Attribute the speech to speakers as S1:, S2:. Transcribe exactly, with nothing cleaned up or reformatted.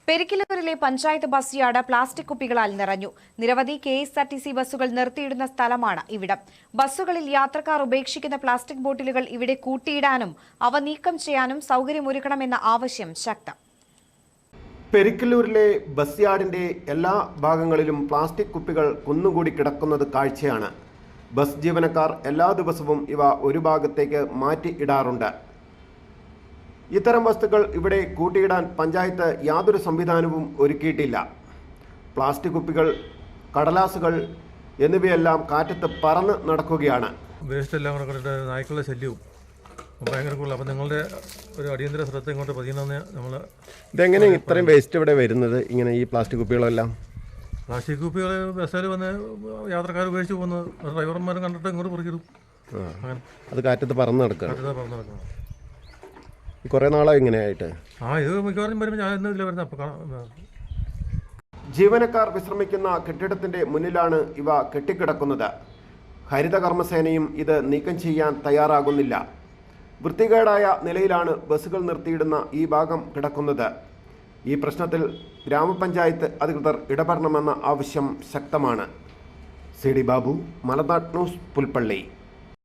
S1: പെരിക്കല്ലൂരിലെ panchayat bus yard plastic കുപ്പികളാൽ നിറഞ്ഞു. നിരവധി K S R T C ബസ്സുകൾ നിർത്തിയിടുന്ന സ്ഥലമാണ് ഇവിടം. ബസ്സുകളിൽ യാത്രക്കാർ ഉപേക്ഷിക്കുന്ന പ്ലാസ്റ്റിക് ബോട്ടിലുകൾ ഇവിടെ കൂട്ടിയിടാനും അവ നീക്കം ചെയ്യാനും സൗകര്യമൊരുക്കണമെന്ന ആവശ്യം ശക്തം.
S2: പെരിക്കല്ലൂരിലെ ബസ് യാർഡിന്റെ എല്ലാ ഭാഗങ്ങളിലും പ്ലാസ്റ്റിക് കുപ്പികൾ കുന്നുകൂടി കിടക്കുന്നത് കാഴ്ചയാണ്. ബസ് ജീവനക്കാർ എല്ലാ ദിവസവും ഇവ ഒരു ഭാഗത്തേക്ക് മാറ്റി ഇടാറുണ്ട്. ഇത്തരം വസ്തുക്കൾ ഇവിടെ കൂട്ടിയിടാൻ പഞ്ചായത്ത് യാതൊരു സംവിധാനവും ഒരുക്കിയിട്ടില്ല. പ്ലാസ്റ്റിക് കുപ്പികൾ, കടലാസുകൾ എന്നിവയെല്ലാം കാറ്റത്ത് പറന്ന് നടക്കുകയാണ്.
S3: വേസ്റ്റ് എല്ലാം കൂടെ കണ്ടിട്ട് നായ്ക്കളുടെ ശല്യവും ഭയങ്കര കൂടുതൽ. അപ്പം നിങ്ങളുടെ ഒരു അടിയന്തര ശ്രദ്ധ ഇങ്ങോട്ട് പതിയെന്ന് നമ്മൾ.
S2: ഇതെങ്ങനെ ഇത്രയും വേസ്റ്റ് ഇവിടെ വരുന്നത്? ഇങ്ങനെ ഈ പ്ലാസ്റ്റിക് കുപ്പികളെല്ലാം
S3: പ്ലാസ്റ്റിക് കുപ്പികൾ ബസ്സിൽ വന്ന് യാത്രക്കാർ ഉപയോഗിച്ച് പോകുന്നത് ഡ്രൈവർമാരും കണ്ടിട്ട് ഇങ്ങോട്ട് പറിക്കിടും.
S2: അത് കാറ്റത്ത് പറന്ന് നടക്കുക.
S3: കാറ്റത്ത് പറന്ന് നടക്കണം.
S2: കുറേ നാളായി ഇങ്ങനെയായിട്ട്.
S3: ആ ഇത് മിക്കവാറും വരുമ്പോൾ ഞാൻ ഇന്നില്ല വരുന്നത്. അപ്പോൾ കാണാം.
S2: ജീവനക്കാർ വിശ്രമിക്കുന്ന കെട്ടിടത്തിന്റെ മുന്നിലാണ് ഇവ കെട്ടിക്കിടക്കുന്നത്. ഹരിതകർമ്മസേനയും ഇത് നീക്കം ചെയ്യാൻ തയ്യാറാകുന്നില്ല. വൃത്തികേടായ നിലയിലാണ് ബസ്സുകൾ നിർത്തിയിടുന്ന ഈ ഭാഗം കിടക്കുന്നത്. ഈ പ്രശ്നത്തിൽ ഗ്രാമപഞ്ചായത്ത് അധികൃതർ ഇടപെടണമെന്ന ആവശ്യം ശക്തമാണ്. C D Babu, Malanad news, Pulpally.